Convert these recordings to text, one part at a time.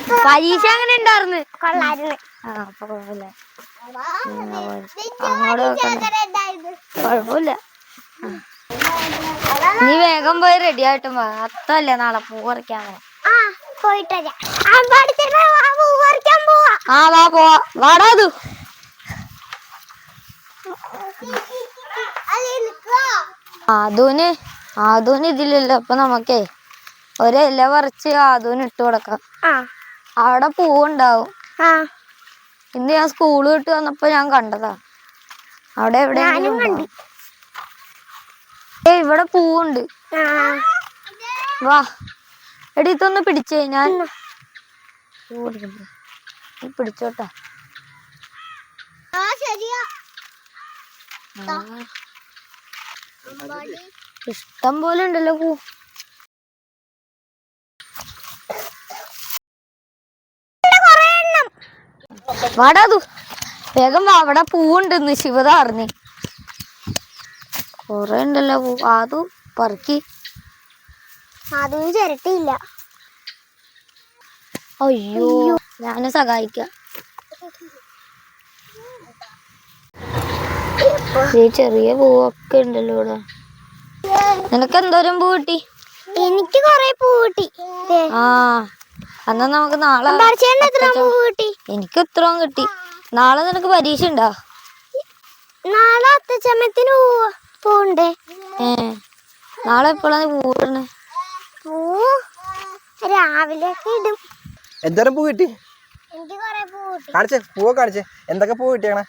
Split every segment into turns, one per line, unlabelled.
പരീക്ഷ എങ്ങനെ ഉണ്ടായിരുന്നു?
കൊള്ളായിരുന്നു.
അപ്പൊ കുഴപ്പമില്ല. അങ്ങോട്ട് കുഴപ്പമില്ല. നീ വേഗം പോയി റെഡി ആയിട്ടും വാ. അത്തല്ലേ നാളെ പൂ പറിക്കാൻ
പോയിട്ട്
വാ പോവാ. വാടാ അത് ആദൂന് ഇതിലല്ലോ. അപ്പൊ നമുക്കേ ഒരില പറിച്ച് ആദൂന് ഇട്ട് കൊടുക്കാം. അവിടെ പൂവുണ്ടാവും. ഇന്ന് ഞാൻ സ്കൂള് വിട്ട് വന്നപ്പോ ഞാൻ കണ്ടതാ. അവിടെ എവിടെയെങ്കിലും ഇവിടെ പൂവുണ്ട്. വാ എടി ഇതൊന്ന് പിടിച്ചേ. ഞാൻ പിടിച്ചോട്ടാ. ഇഷ്ടം പോലെ ഉണ്ടല്ലോ പൂ. വാടാതു വേഗം വാ. അവിടെ പൂവുണ്ടെന്ന് ശിവത അറിഞ്ഞ്. കൊറേ ഉണ്ടല്ലോ പൂ. ആദു പറക്കി.
അതിന് ചിരട്ടിയില്ല.
അയ്യോ ഞാന് സഹായിക്കാം. ഈ ചെറിയ പൂവൊക്കെ ഉണ്ടല്ലോ ഇവിടെ. നിനക്ക് എന്തോരം പൂ കിട്ടി?
എനിക്ക് കൊറേ പൂ കിട്ടി.
എന്നാ നമുക്ക് നാളെ. എനിക്ക് ഇത്രയും കിട്ടി. നാളെ നിനക്ക് പരീക്ഷ ഉണ്ടോ?
നാളെ അത്തച്ചമയത്തിന് പൂണ്ടേ.
നാളെ എപ്പോഴാണ് പൂവിടണേ?
പൂ രാവിലെ ഇടും.
എന്തോരം പൂ കിട്ടി?
എനിക്ക് കൊറേ പൂ കിട്ടി.
കാണിച്ചേ, പൂവൊക്കെ കാണിച്ചേ. എന്തൊക്കെ പൂ കിട്ടിയാണ്?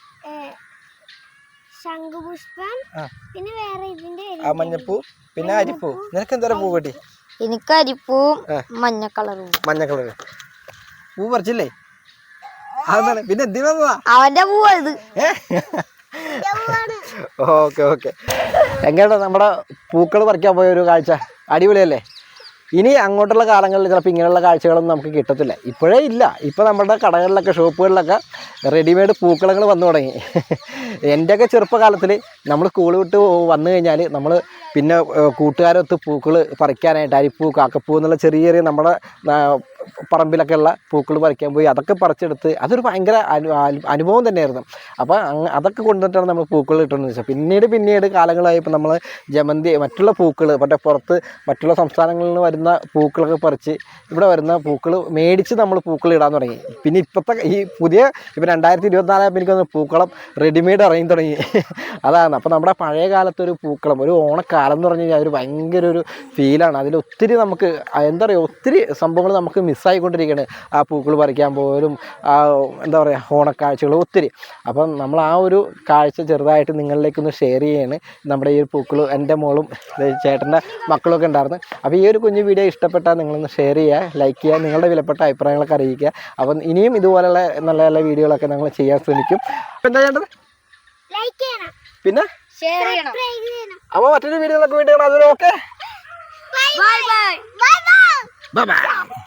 ശംഖുപുഷ്പം, പിന്നെ വേറെ ഇതിന്റെ
മഞ്ഞപ്പൂ, പിന്നെ അരിപ്പൂ. നിനക്ക് എന്തോരം പൂ കിട്ടി?
എനിക്ക് അരിപ്പൂവും മഞ്ഞ കളറും.
മഞ്ഞ കളറ് പൂ പറിച്ചില്ലേ? അതാണ്. പിന്നെ എന്തിനാ
അവന്റെ പൂവാ ഇത്.
Okay okay. എങ്ങനെയാ നമ്മുടെ പൂക്കൾ പറിക്കാൻ പോയ ഒരു കാഴ്ച? അടിപൊളിയല്ലേ? ഇനി അങ്ങോട്ടുള്ള കാലങ്ങളിൽ ചിലപ്പോൾ ഇങ്ങനെയുള്ള കാഴ്ചകളൊന്നും നമുക്ക് കിട്ടത്തില്ല. ഇപ്പോഴേ ഇല്ല. ഇപ്പോൾ നമ്മുടെ കടകളിലൊക്കെ ഷോപ്പുകളിലൊക്കെ റെഡിമെയ്ഡ് പൂക്കളങ്ങൾ വന്നു തുടങ്ങി. എൻ്റെയൊക്കെ ചെറുപ്പകാലത്തിൽ നമ്മൾ സ്കൂൾ വിട്ട് വന്നു കഴിഞ്ഞാൽ നമ്മൾ പിന്നെ കൂട്ടുകാരൊത്ത് പൂക്കൾ പറിക്കാനായിട്ട് അരിപ്പൂ, കാക്കപ്പൂ എന്നുള്ള ചെറിയ ചെറിയ നമ്മുടെ പറമ്പിലൊക്കെ ഉള്ള പൂക്കൾ പറിക്കാൻ പോയി. അതൊക്കെ പറിച്ചെടുത്ത് അതൊരു ഭയങ്കര അനുഭവം തന്നെയായിരുന്നു. അപ്പോൾ അതൊക്കെ കൊണ്ടുവന്നിട്ടാണ് നമ്മൾ പൂക്കൾ കിട്ടുന്നത് വെച്ചാൽ. പിന്നീട് കാലങ്ങളായപ്പോൾ നമ്മൾ ജമന്തി, മറ്റുള്ള പൂക്കൾ, മറ്റേ പുറത്ത് മറ്റുള്ള സംസ്ഥാനങ്ങളിൽ നിന്ന് വരുന്ന പൂക്കളൊക്കെ പറിച്ച് ഇവിടെ വരുന്ന പൂക്കൾ മേടിച്ച് നമ്മൾ പൂക്കൾ ഇടാൻ തുടങ്ങി. പിന്നെ ഇപ്പോഴത്തെ ഈ പുതിയ 2024 എനിക്കൊന്ന് പൂക്കളം റെഡിമെയ്ഡ് ഇറങ്ങി തുടങ്ങി. അതാണ്. അപ്പോൾ നമ്മുടെ പഴയ കാലത്തൊരു പൂക്കളം, ഒരു ഓണക്കാലം എന്ന് പറഞ്ഞു കഴിഞ്ഞാൽ ഒരു ഭയങ്കര ഒരു ഫീലാണ്. അതിലൊത്തിരി നമുക്ക് എന്താ പറയുക, ഒത്തിരി സംഭവങ്ങൾ നമുക്ക് മിസ്സായിക്കൊണ്ടിരിക്കുകയാണ്. ആ പൂക്കൾ പറിക്കാൻ പോലും എന്താ പറയുക, ഓണക്കാഴ്ചകൾ ഒത്തിരി. അപ്പം നമ്മൾ ആ ഒരു കാഴ്ച ചെറുതായിട്ട് നിങ്ങളിലേക്കൊന്ന് ഷെയർ ചെയ്യാണ്. നമ്മുടെ ഈ ഒരു പൂക്കൾ എൻ്റെ മോളും ചേട്ടൻ്റെ മക്കളൊക്കെ ഉണ്ടായിരുന്നു. അപ്പോൾ ഈ ഒരു കുഞ്ഞു വീഡിയോ ഇഷ്ടപ്പെട്ടാൽ നിങ്ങളൊന്ന് ഷെയർ ചെയ്യുക, ലൈക്ക് ചെയ്യുക, നിങ്ങളുടെ വിലപ്പെട്ട അഭിപ്രായങ്ങളൊക്കെ അറിയിക്കുക. അപ്പം ഇനിയും ഇതുപോലെയുള്ള നല്ല നല്ല വീഡിയോകളൊക്കെ ഞങ്ങൾ ചെയ്യാൻ ശ്രമിക്കും. അപ്പം എന്താ ചെയ്യേണ്ടത്? പിന്നെ അപ്പോൾ മറ്റൊരു വീഡിയോകളൊക്കെ വേണ്ടി അതുവരെ ഓക്കെ. Bye bye.